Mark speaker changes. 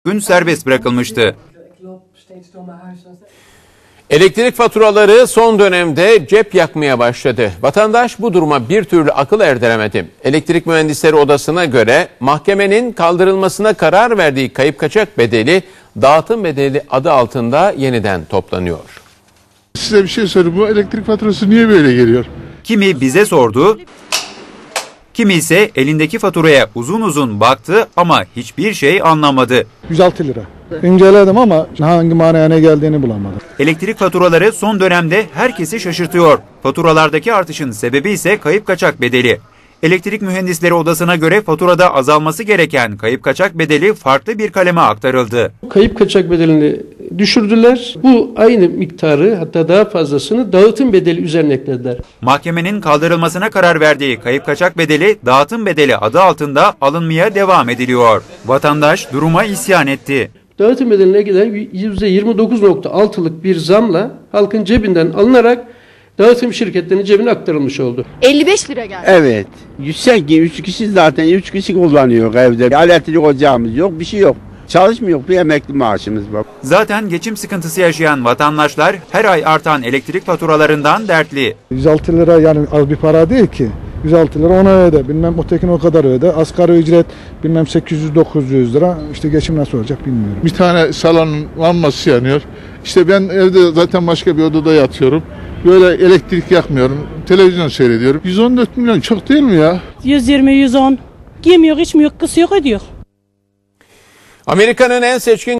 Speaker 1: gün serbest bırakılmıştı.
Speaker 2: Elektrik faturaları son dönemde cep yakmaya başladı. Vatandaş bu duruma bir türlü akıl erdiremedi. Elektrik Mühendisleri Odası'na göre mahkemenin kaldırılmasına karar verdiği kayıp kaçak bedeli dağıtım bedeli adı altında yeniden toplanıyor.
Speaker 3: Size bir şey sorayım. Bu elektrik faturası niye böyle geliyor?
Speaker 1: Kimi bize sordu, kimi ise elindeki faturaya uzun uzun baktı ama hiçbir şey anlamadı.
Speaker 4: 106 lira. İnceledim ama hangi manaya ne geldiğini bulamadım.
Speaker 1: Elektrik faturaları son dönemde herkesi şaşırtıyor. Faturalardaki artışın sebebi ise kayıp kaçak bedeli. Elektrik Mühendisleri Odası'na göre faturada azalması gereken kayıp kaçak bedeli farklı bir kaleme aktarıldı.
Speaker 5: Kayıp kaçak bedelini düşürdüler. Bu aynı miktarı, hatta daha fazlasını dağıtım bedeli üzerine eklediler.
Speaker 1: Mahkemenin kaldırılmasına karar verdiği kayıp kaçak bedeli dağıtım bedeli adı altında alınmaya devam ediliyor. Vatandaş duruma isyan etti.
Speaker 5: Dağıtım bedeline giden %29.6'lık bir zamla halkın cebinden alınarak dağıtım şirketlerinin cebine aktarılmış oldu.
Speaker 6: 55 lira geldi.
Speaker 7: Evet. 3 kişi zaten 3 kişi kullanıyor evde. Elektrik ocağımız yok, bir şey yok. Çalışmıyor, bir emekli maaşımız var.
Speaker 1: Zaten geçim sıkıntısı yaşayan vatandaşlar her ay artan elektrik faturalarından dertli.
Speaker 4: 106 lira yani az bir para değil ki. 106 lira ona öde. Bilmem ötekine o kadar öde. Asgari ücret bilmem 800-900 lira. İşte geçim nasıl olacak bilmiyorum.
Speaker 3: Bir tane salonun lambası yanıyor. İşte ben evde zaten başka bir odada yatıyorum. Böyle elektrik yakmıyorum. Televizyon seyrediyorum. 114 milyon çok değil mi ya?
Speaker 8: 120, 110. Yemiyor, içmiyor, kısıyor, ödüyor.
Speaker 2: Amerika'nın en seçkin